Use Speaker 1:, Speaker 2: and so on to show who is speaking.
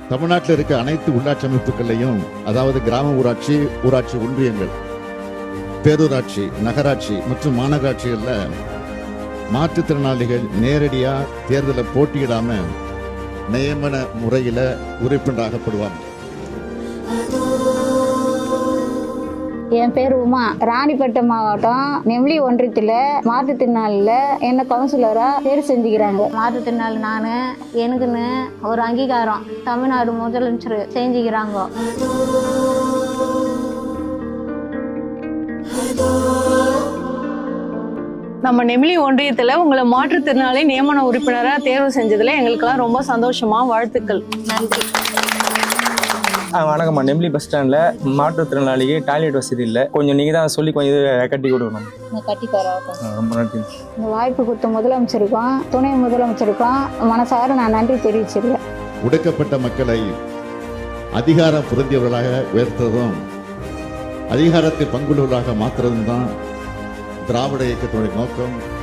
Speaker 1: தமிழ்நாட்டில் இருக்க அனைத்து உள்ளாட்சி அமைப்புகளையும், அதாவது கிராம ஊராட்சி, ஊராட்சி ஒன்றியங்கள், பேரூராட்சி, நகராட்சி மற்றும் மாநகராட்சிகளில் மாற்றுத்திறனாளிகள் நேரடியாக தேர்தலில் போட்டியிடாம நியமன முறையில் உறுப்பினராகப்படுவாங்க.
Speaker 2: என் பேர் உமா. ராணிப்பேட்டை மாவட்டம் நெமிலி ஒன்றியத்தில் மாற்றுத்திறனாளியில் என்ன கவுன்சிலராக தேர்வு செஞ்சுக்கிறாங்க. மாற்றுத்திறனாளி நான் எனக்குன்னு ஒரு அங்கீகாரம் தமிழ்நாடு முதலமைச்சர் செஞ்சுக்கிறாங்க.
Speaker 3: நம்ம நெமிலி ஒன்றியத்தில் உங்களை மாற்றுத்திறனாளி நியமன உறுப்பினராக தேர்வு செஞ்சதில் எங்களுக்கெல்லாம் ரொம்ப சந்தோஷமா, வாழ்த்துக்கள்.
Speaker 2: நன்றி.
Speaker 4: வணக்கம்மா. நெமிலி பஸ் ஸ்டாண்டில் மாற்றுத்திறனாளிக்கு டாய்லெட் வசதி இல்லை. கொஞ்சம் நீங்கள் தான் சொல்லி கொஞ்சம் இது கட்டி கொடுக்கணும்.
Speaker 2: கட்டி தரோம்.
Speaker 4: ரொம்ப நன்றி.
Speaker 2: இந்த வாய்ப்பு கொடுத்த முதலமைச்சருக்கும் துணை முதலமைச்சருக்கும் மனசார நான் நன்றி தெரிவிச்சிருக்கேன்.
Speaker 1: ஒடுக்கப்பட்ட மக்களை அதிகாரம் பொருந்தியவர்களாக உயர்த்துவதும் அதிகாரத்தை பங்குள்ளவர்களாக மாற்றுறதும் தான் திராவிட இயக்கத்தினுடைய நோக்கம்.